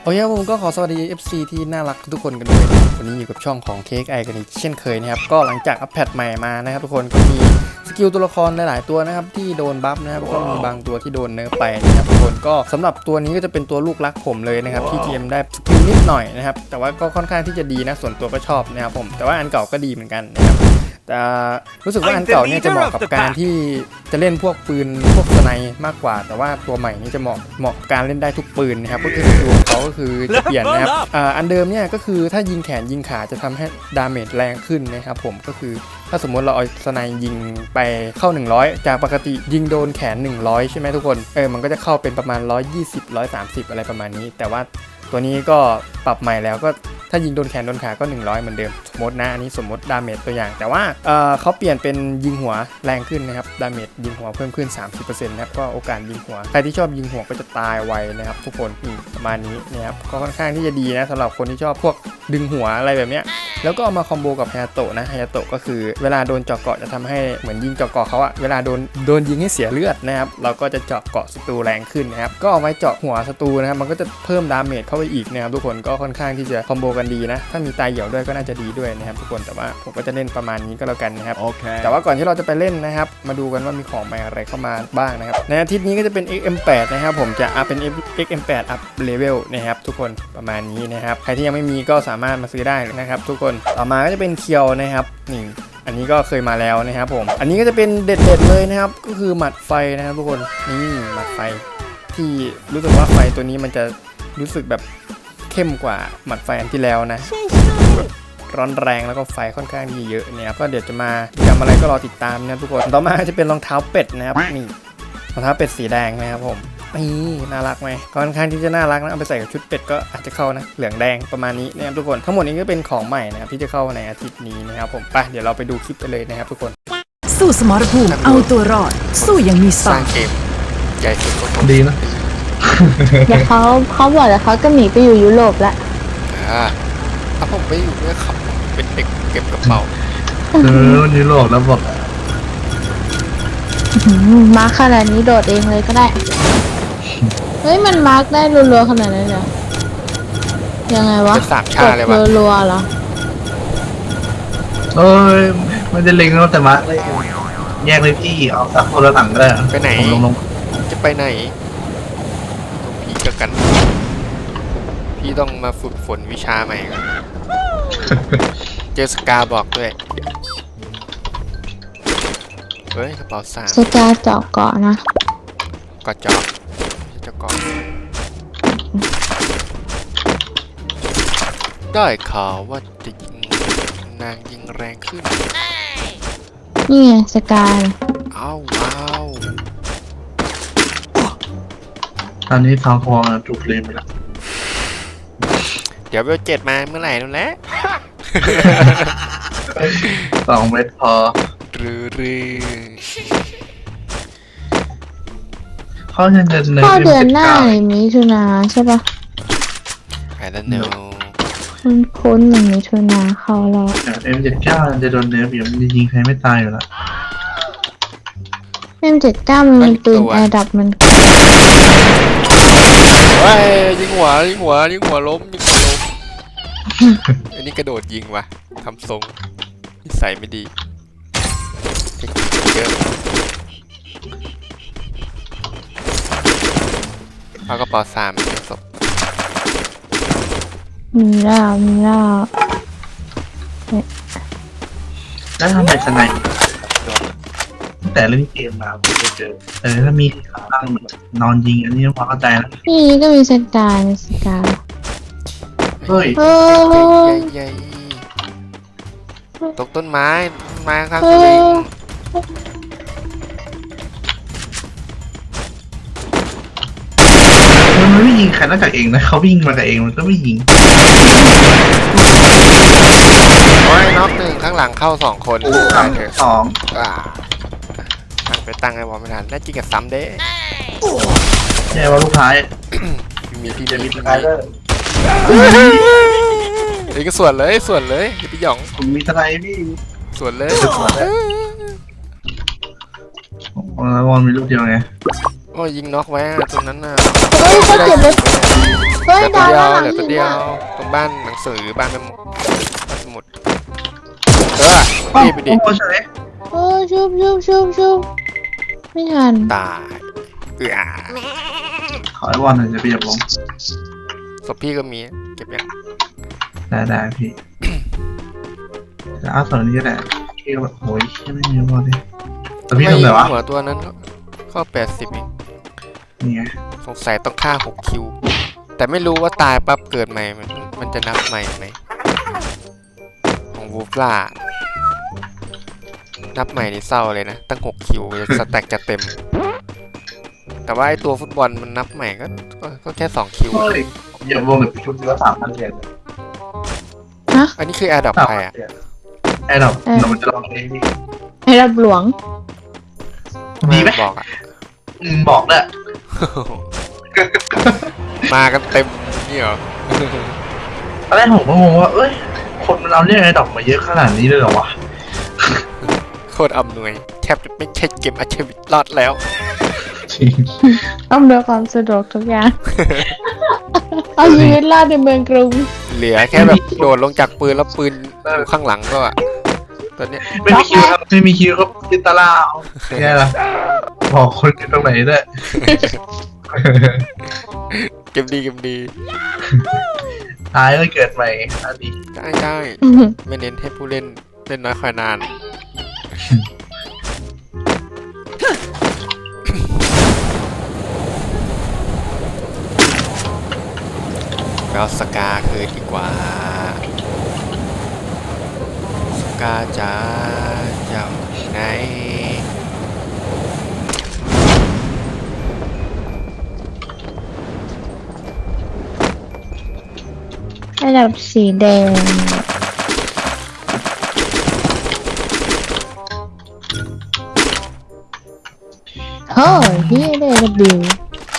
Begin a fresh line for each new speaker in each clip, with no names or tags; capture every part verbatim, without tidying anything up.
โอเคผมก็ขอสวัสดี เอฟ ซี ที่น่ารักทุกคนกันด้วยวันนี้อยู่กับช่องของ เค เอ็กซ์ ไอ กันอีกเช่นเคยนะครับก็หลังจากอัปเดตใหม่มานะครับทุกคนก็มีสกิลตัวละครหลายๆตัวนะครับที่โดนบัฟนะครับก็มีบางตัวที่โดนเนิร์ฟไปนะครับทุกคนก็สำหรับตัวนี้ก็จะเป็นตัวลูกรักผมเลยนะครับที่ จี เอ็ม ได้สกิลนิดหน่อยนะครับแต่ว่าก็ค่อนข้างที่จะดีนะส่วนตัวก็ชอบนะครับผมแต่ว่าอันเก่าก็ดีเหมือนกันนะครับแต่รู้สึกว่าอันเก่าเนี่ยจะเหมาะกับการที่จะเล่นพวกปืนพวกสไนมากกว่าแต่ว่าตัวใหม่นี่จะเหมาะเหมาะกับการเล่นได้ทุกปืนนะครับก็คือสกิลของเขาก็คือจะเปลี่ยนนะครับอ่าอันเดิมเนี่ยก็คือถ้ายิงแขนยิงขาจะทำให้ดาเมจแรงขึ้นนะครับผมก็คือถ้าสมมติเราเอาสไนยิงไปเข้าหนึ่งร้อยจากปกติยิงโดนแขนหนึ่งร้อยใช่ไหมทุกคนเออมันก็จะเข้าเป็นประมาณหนึ่งร้อยยี่สิบ หนึ่งร้อยสามสิบอะไรประมาณนี้แต่ว่าตัวนี้ก็ปรับใหม่แล้วก็ถ้ายิงโดนแขนโดนขาก็หนึ่งร้อยเหมือนเดิมสมมตินะอันนี้สมมติดาเมจตัวอย่างแต่ว่าเอ่อเขาเปลี่ยนเป็นยิงหัวแรงขึ้นนะครับดาเมจยิงหัวเพิ่มขึ้น สามสิบเปอร์เซ็นต์ นะครับก็โอกาสยิงหัวใครที่ชอบยิงหัวก็จะตายไวนะครับทุกคนนี่ประมาณนี้นะครับก็ค่อนข้างที่จะดีนะสำหรับคนที่ชอบพวกดึงหัวอะไรแบบเนี้ยแล้วก็เอามาคอมโบกับฮายาโตะนะฮายาโตะก็คือเวลาโดนเจาะเกาะจะทำให้เหมือนยิงเจาะเกาะเขาอะเวลาโดนโดนยิงให้เสียเลือดนะครับเราก็จะเจาะเกาะศัตรูแรงขึ้นนะครับก็เอาไว้เจาะหัวศัตรูนะครับมันก็จะเพิ่มดาเมจเข้าไปอีกนะครับทุกคนก็ค่อนข้างที่จะคอมโบกันดีนะถ้ามีตายเหี่ยวด้วยก็น่าจะดีด้วยนะครับทุกคนแต่ว่าผมก็จะเล่นประมาณนี้ก็แล้วกันนะครับ
Okay.
แต่ว่าก่อนที่เราจะไปเล่นนะครับมาดูกันว่ามีของใหม่อะไรเข้ามาบ้างนะครับในอาทิตย์นี้ก็จะเป็น เอ็กซ์ เอ็ม แปด นะครับผมจะอัพเป็น เอ็กซ์ เอ็ม แปด อัพเลเวลนะครับทุกคนประมาณนี้นะครับใครที่ยังไม่มีก็สามารถมาซื้อได้นะครับทุกคนต่อมาก็จะเป็นเคียวนะครับนี่อันนี้ก็เคยมาแล้วนะครับผมอันนี้ก็จะเป็นเด็ดๆเลยนะครับก็คือหมัดไฟนะครับทุกคนนี่หมัดไฟที่รู้สึกว่าไฟตัวนี้มันจะรู้สึกแบบเข้มกว่าหมัดไฟอันที่แล้วนะร้อนแรงแล้วก็ไฟค่อนข้างที่เยอะเนี่ยก็เดี๋ยวจะมาทำอะไรก็รอติดตามนะทุกคนต่อมาจะเป็นรองเท้าเป็ดนะครับนี่รองเท้าเป็ดสีแดงนะครับผมนี่น่ารักไหมค่อนข้างที่จะน่ารักนะเอาไปใส่กับชุดเป็ดก็อาจจะเข้านะเหลืองแดงประมาณนี้นะครับทุกคนทั้งหมดนี้ก็เป็นของใหม่นะครับที่จะเข้าในอาทิตย์นี้นะครับผมไปเดี๋ยวเราไปดูคลิปกันเลยนะครับทุกคน
สู้สมรภูมิเอาตัวรอดสู้อย่างมีส
ส
ร้
ร้างเกมใหญ่สุดของ
ดีนะ
เดี๋ยวเขาเขาบอกแล้วเขาก็หนีไปอยู่ยุโรปแล้ว
อ่าถ้าผมไม่อยู่เนี่ยขับเป็นเด็กเก็บกระเป๋า
เออวันนี้โลกแล้วบอก
มาร์คขนาดนี้โดดเองเลยก็ได้ เฮ้ยมันมาร์คได้รัวๆขนาดนั้นเหรอยังไงวะ
จะสามชาเลยวะ
รัวๆเหรอ
เอ้ยไม่ได้เล็งแล้วแต่มาเลยแยกเลยพี่เอาสักคนละหลังก็ได้อะ
ไปไหน
ผมลงลง
จะไปไหนพี่กับกัน พี่ต้องมาฝึกฝนวิชาใหม่ก่อนเจอสกาบอกด้วยเฮ้ยกระเป๋าสาม
สกาเจาะเกาะนะ
กอดจอกเจะกอดได้ข่าวว่าจะยิงนางยิงแรงขึ้น
นี่ไงสกา
อ้าวว้าว
ตอนนี้ทองคองถูกเลนไปแล้ว
เดี๋ยวเบลเจ็ดมาเมื่อไหร่นั่นแหละ
สองเม็ดพอ
รือรือ
เขาจะเดินเดิน
เข้า
ขึ้น
เดือน
เจ็ด
หน้า
เก้า
ในมิถุนาใช่ปะ
ไอ้นั่นเนอะ
คุณคุ้นๆหนึ่งมิถุนาเข้าแล้ว
เอ็มเจ็ดเก้าจะโดนเนื้อเบียมันจะยิงใครไม่ตายอยู่แล้ว
เอ็มเจ็ดเก้ามันมีปืนแอร์ดับมัน
เฮ้ยยิงหัวยิงหัวยิงหัวล้มยิงหัวล้ม อันนี้กระโดดยิงว่ะทำทรงนิสัยไม่ดีเทคนิคเยอะเอากระเป๋าสามเป็นศพ
มีแล้วมีแล้ว
แล้วทำไมสไนป์ตั้งแต่เล่นเกมมาผมจะเจอเออถ้ามีขาตั้งเหมือนนอนยิงอันนี้พอเข้าใจแล้ว
นี่ก็มีสกาในสกา
เฮ้ย
เออ
ใหญ่ๆตกต้นไม้ต้นไม้ข้าง
เอ
สลิง
อ
มันไม่ยิงใครนอกจากเองนะเขาวิ่งมากับเองมันก็ไม่ยิง
โอ้ยน็อกหนึ่งข้างหลังเข้าสองคน
สาม
เถอะ
สอง
อ่าไปตั้งไอ้บอลไม่ทันแน่จริงกับซ้ำเด้
แย่ว่าลูกท้าย
พี่มีพี่
จะ
มี
มี
พี่
สไน
มี
เปอร์
เอ้ยก็ส่วนเลยส่วนเลยอย่าไปหยอง
ผมมีสไนพี่
ส่วนเลย
แล้วบอลมีลูกเดียวไง
โอ้อ้ยยิงน็อกไว้อะตรงนั้นน่ะ
เฮ้ยเขาเจ็บเลยเฮ้ย
เหลือตัว
ดาว
เดียว
ด้านหลัง
เหลือตัว
หิน
เดียว
อ่ะ
ตรงบ้านหนังสือบ้านแม่หมดบ้านสมุดเออ
โอ้
นี่ไปดิ
โหเฉย
โอ้ชุบชุบชุบชุบไม่ทัน
ตายเออ
ขอไอ้บอลหน่อยจะไปจับผม
ศพพี่ก็มีเก็บยัง
ได้ได้พี่จะเอาส่วนนี้ก็ได้พี่ก็แบบโอ้ยไม่มีบอลเลยแต่พี่ทำไงวะ
หัวตัวนั้นก็แปดสิบเอง
นี่ไง
สงสัยต้องฆ่าหกคิว แต่ไม่รู้ว่าตายปั๊บเกิดใหม่มันมันจะนับใหม่ไหมของวูฟล่านับใหม่นี่เศร้าเลยนะ ตั้งหกคิวสแต็กจะเต็ม แต่ว่าไอตัวฟุตบอลมันนับใหม่ก็ก็ก็แค่สองคิว
เฮ้ยอย่าวงแบบชุดเดียวสามพันเหรียญ
อันนี้คือแอร์ดับ
สาม
ใคร
พัน
อ่ะ
เหรียญไอ้เราเราจะลองเองดิ
ให้รับหลวง
ดีไหม
บอกอ่ะ
อืมบอกเลย
มากันเต็มนี่เหรอ
ตอนแรกผมก็งงว่าเอ้ยคนมันเอาเรื่องไอ้ดอกมาเยอะขนาดนี้เลยเหรอวะ
โคตรอำนวยแทบจะไม่ใช่เกมอาชีวิตรอดแล้ว
จริง
ต้องเดือความสะดวกทุกอย่าง เอาชีวิตรอดในเมืองกรุง
เหลือแค่แบบโดดลงจากปืนแล้วปืนอยู่ข้างหลังแล้วอ่ะตอนเนี้ย
ไม่มีคิวครับไม่มีคิวครับจิตตาลาเอาแค่ละบอกคนอยู่ตรงไหนด้วย
เกมดีเกมดี
ตายก็เกิดใหม่อันนี้
ได้ได้ไม่เน้นให้ผู้เล่นเล่นน้อยคอยนาน เราสกาคืนดีกว่า สกาจ๋าเจ้าไหน
ระดับสีแดงโอ้ยพี่ได้ระบิว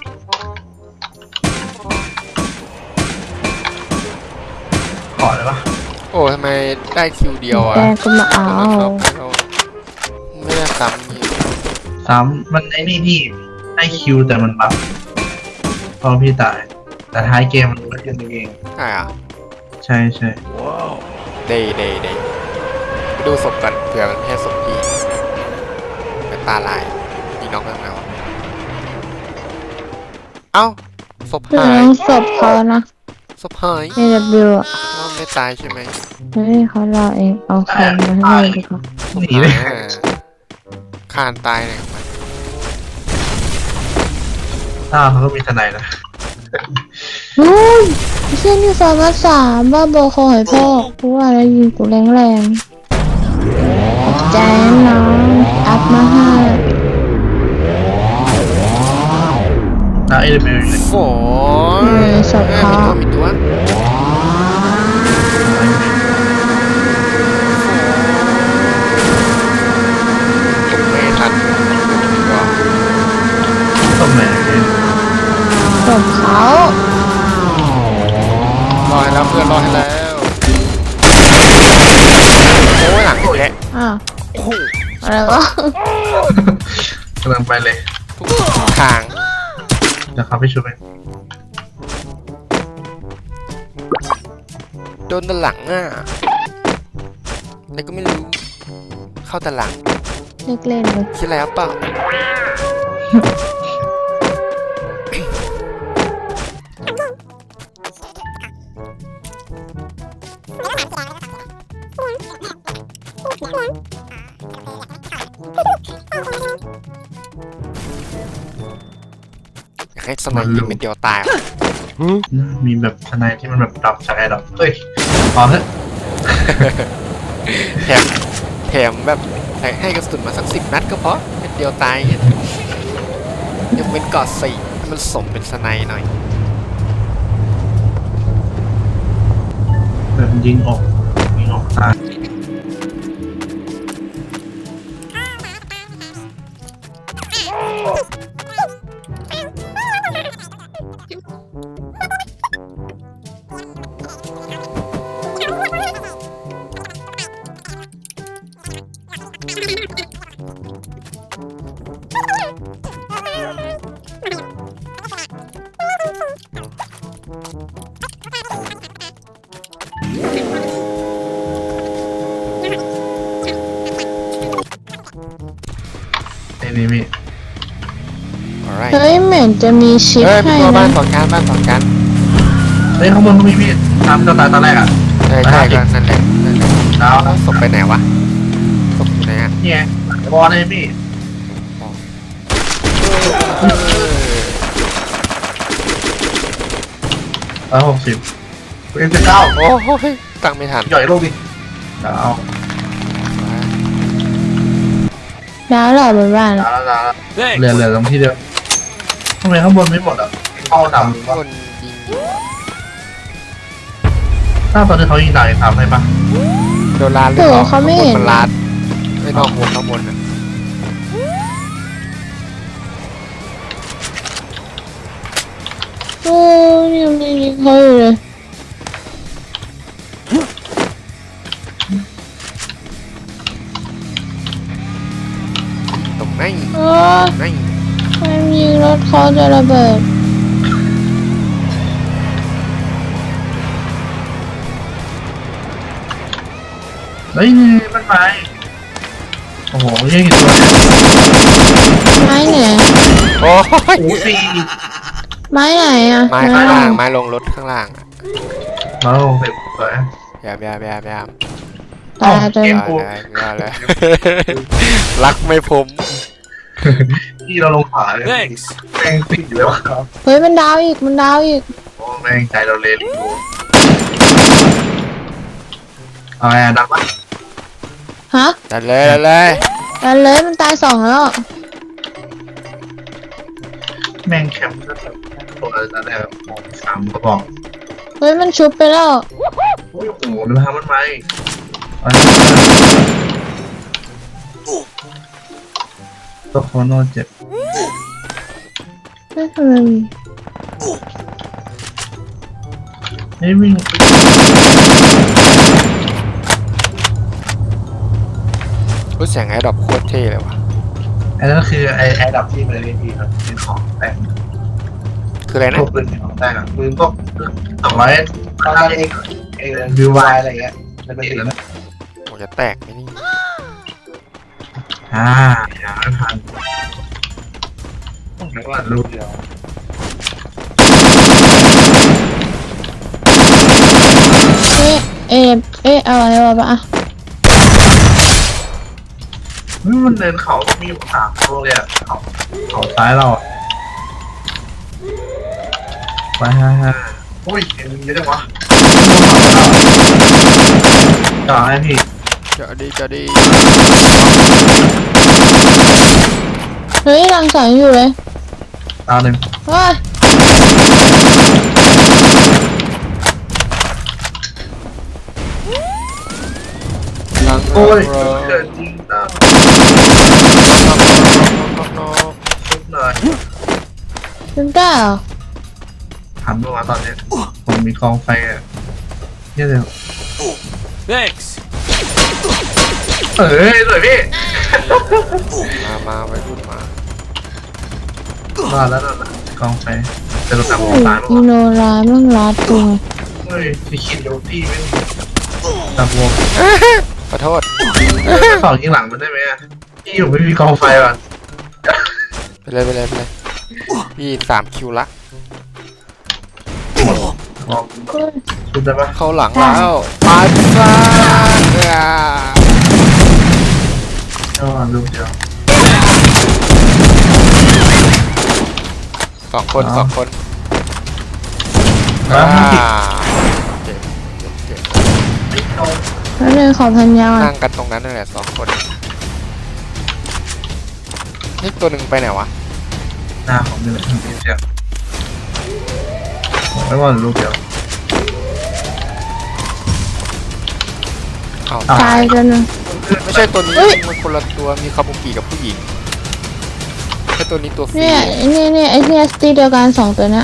ขอเลยปะ
โอ้ทำไมได้คิวเดียวอ่ะ
แดงก็มาเอา
ไม่ได้ซ้ำนี่
ซ้ำมันไอ้นี่ที่ให้คิวแต่มันบัฟพอพี่ตาย แต่ท้ายเกมมันก็ขึ้นเอง
ใช่อ่ะ
ใช่ใช่
เดย์เดย์เดย์ไปดูศพกันเผื่อมันแค่ศพพี่เป็นตาลายยิงน้องข้างในวะเอ้าศพ
เรื่
หาย
องศพเขานะ
ศพหาย
ในระบิวอ่ะ
ว่าไม่ตายใช่ไหม
เฮ้ยเขาเราเองเอาคำมาให้ดีกว่า
หนีเลย
อ่าคานตายเลยของมัน
อ้าวเขาก็มีทนายนะ
นู้นเส้นที่สามารถสามว่าโบคอยพ่อกูว่าแล้วยิงกูแรงแรงๆขอบใจนะน้องอัพมาให้
แล้วเอเดบิวเลย
โฝ
เออศพ
อ่า
เขา
มีตัวมีตัวตกไม่ทันมีตัว
ตรงไหน
ศพเขา
รอให้แล้วเพื่อนรอให้แล้วโอ้ยหลังอีกแล้ว
อ้าว
โอ้โห
อะไรวะ
กำลังไปเลย
ทุกทาง
เดี๋ยวเขาไปช่วย
โดนด้านหลังอ่ะแต่ก็ไม่รู้ เข้าด้านหลัง
เลิกเล่นเลย
คิดแล้วเปล่าอยากให้สมัยยิงเป็นเดียวตายอ่ะ
มีแบบทนายที่มันแบบดับจากไอ้ดอกเฮ้ยพอเถอะ
แถมแถมแบบให้กระสุนมาสักสิบนัดก็พอเป็นเดียวตายยังเป็นกอดสี่ให้มันสมเป็นสไนด์หน่อย
แบบยิงออกยิงออกตาย
เห็นจะมีชิป
เฮ้ยมี
ให้
ตัวบ้า
นะ
นสองชั้นบ้านสองชั้น
เฮ้ยข้างบนก็มีพี่ตามที่เราตายตอนแรกอ่ะ
ใช่ใช่ก็นั่นแหละนั่นแหละ
ดาว
แล้วศพไปไหนวะศพอยู่ไหนอ่ะ
เนี่ยบอลเลยพี่ร้อยหกสิบเอ็มสิบเก้า
โอ้โหตั้งไม่ทัน
ใหญ่โลกดิดาว
ดาวเหล่าบนบ้าน
ดาวดาวเหลือเหลือตรงที่เดียวทำไมข้างบนไม่หมดอ่ะเข้าดำหรือว่า
คนยิงอยู่อะ
ถ้าตอนที่เขายิงตายทำให้ปะ
โดนลาดหรือ
โอ้
เปล่า
เขาไม่เห็น
มันลาดไม่นอกวงข้างบนอ่ะ
โอ้ยยังไม่ยิงเขาอยู่เลย
ตรงไหน
โอ้ย
ไหน
มันยิงรถเขาจะระเบิด
เฮ้ยนี่มันไปโอ้โหเยี่ยกี่ตัวเนี่ย
ไม้ไหน
โอ้ย
โอ้โหสี่
ไม้ไหนอ่ะ
ไม้ข้างล่างไม้ลงรถข้างล่างอะ
มาลงเสร็จสวย
ยามยามยามยาม
ตายจน
ยาเลยยาเลยรักไม่ผม
ที่เราลงขาเลยแม่งติดอยู่แล้วครับ
เฮ้ยมันดาวอีกมันดาวอีก
โอ้แม่งใจเราเลยดูอะไรอะดังปะ
ฮะ
ดันเลยดันเลย
ดันเลยมันตายสองแล้ว
แม่งแคมป์ก็แบบตัวอะไรแบบมองสามกระบอก
เฮ้ยมันชุบไปแล้ว
โอ้ยโอ้โหดูทำมันไหมตัวโคโนเจ็บ
เฮ้ยทำไมมี
ไม่วิ่ง
รู้เสียงไอ้ดอกโคตรเท่เลยว่ะ
ไอ้นั่นคือไอ้ไอ้ดับที่มันเลยพี่ครับเป็นของแต่ง
คืออะไร
พ
นะ
วกปืนของแต่งอ่ะปืนพวกสองร้อยตอนเองเองวิววายอะไรเงี้ยมันเป็นแล้วนะ
ผมจะแตกไหมนี่
อ่าอย่าทันต้องบอกว่าลูกเดียว
เอ๊ะเอ๊ะเอ๊ะเอาอะไรวะปะอ่ะ
มันเดินเขาก็มีสามโลเลยอ่ะเขาเขาซ้ายเราอ่ะไปฮ่าฮ่าโอ้ยเห็นเยอะจังวะจ่อไอ้พี่
จะดีจะดี
เฮ้ยรังสรรค์อยู่เลย
ตาหนึ่ง
ว้าย
ลัง
โอ้ย
โร
เกิดจริงนะชุบหน่อย
ถึงได้เหรอ
หันมาว่าตอนเนี้ยผมมีกองไฟอ่ะเยอะเลย
thanks
เอ้ยสวยพี่
มามาไปรุ่นมาร
อดแล้วรอดแล้วกองไฟจะลงตาม
เฮ้
หัวย ตายมั้
อี
ง
โนราแม่งรัดตัว
เฮ้ยพี่คิดดูพี่ไม่ตามวง
ขอโทษ
สองยิงหลังมันได้ไหมอ่ะพี่ผมไม่มีกองไฟว่ะ
ไปเลยไปเลยไปเลยพี่สามคิวละ
ลอง
เฮ้ย
ชุบได้ปะ
เข้าหลังแล้วมาซ่าอ่า
ก็ลูกเดียว
สองคน
อ๋อ
สองคน
แล้ว
อ่า
พี่
เจ็บเจ็บเจ็บ
แล้วเลยขอพันยา
นั่งกันตรงนั้นนั่นแหละสองคนนี่ตัวหนึ่งไปไหนวะ
หน้าผมนี่แหละพี่เสียไม่ว่าลูกเดียว
อ้าว
ตายกันนะ
ไม่ใช่ตัวนี้
เฮ้ย
มันคนละตัวมีคาบุกิกับผู้หญิงแค่ตัวนี้ตัวฟรี
เนี่ยเนี่ยเนี่ยไอ้เนี่ยสตีเดียวกันสองตัวเนี้ย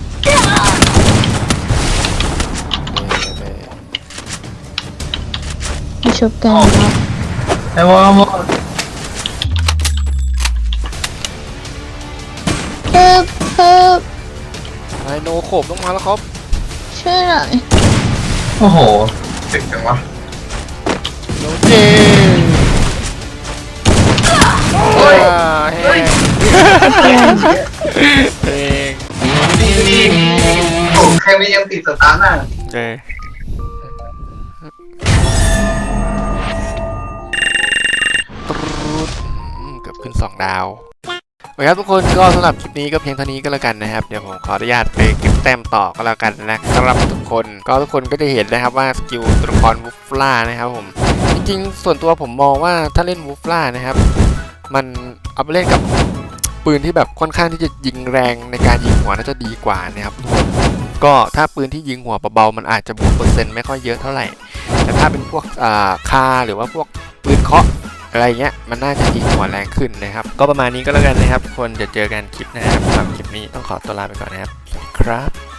เออ
มาชุบกันแล้ว
ไอ้วอลวอล
เพิ่มเพิ่ม
ไอโนโขบลงมาแล้วครับ
ช่วยหน่อย
โอ้โหเจ๋งจังวะ
โนเจ
เฮ้ย
อ่าเฮ้เอง
นี่นี่ผมแค่ไม่ยังติดสตาร์ทอ่ะ
เออตรูดอืมเกือบขึ้นสองดาวโอเคครับทุกคนก็สำหรับคลิปนี้ก็เพียงเท่านี้ก็แล้วกันนะครับเดี๋ยวผมขออนุญาตไปเก็บแต้มต่อก็แล้วกันนะครับทุกคนก็ทุกคนก็จะเห็นนะครับว่าสกิลตัวละครวูฟล่านะครับผมจริงๆส่วนตัวผมมองว่าถ้าเล่นวูฟล่านะครับมันเอาไปเล่นกับปืนที่แบบค่อนข้างที่จะยิงแรงในการยิงหัวน่าจะดีกว่านะครับทุกคนก็ถ้าปืนที่ยิงหัวเบาๆมันอาจจะบวกเปอร์เซ็นต์ไม่ค่อยเยอะเท่าไหร่แต่ถ้าเป็นพวกอ่าคาหรือว่าพวกปืนเคาะอะไรเงี้ยมันน่าจะยิงหัวแรงขึ้นนะครับก็ประมาณนี้ก็แล้วกันนะครับทุกคนจะเจอกันคลิปหน้าครับสำหรับคลิปนี้ต้องขอตัวลาไปก่อนนะครับสวัสดีครับ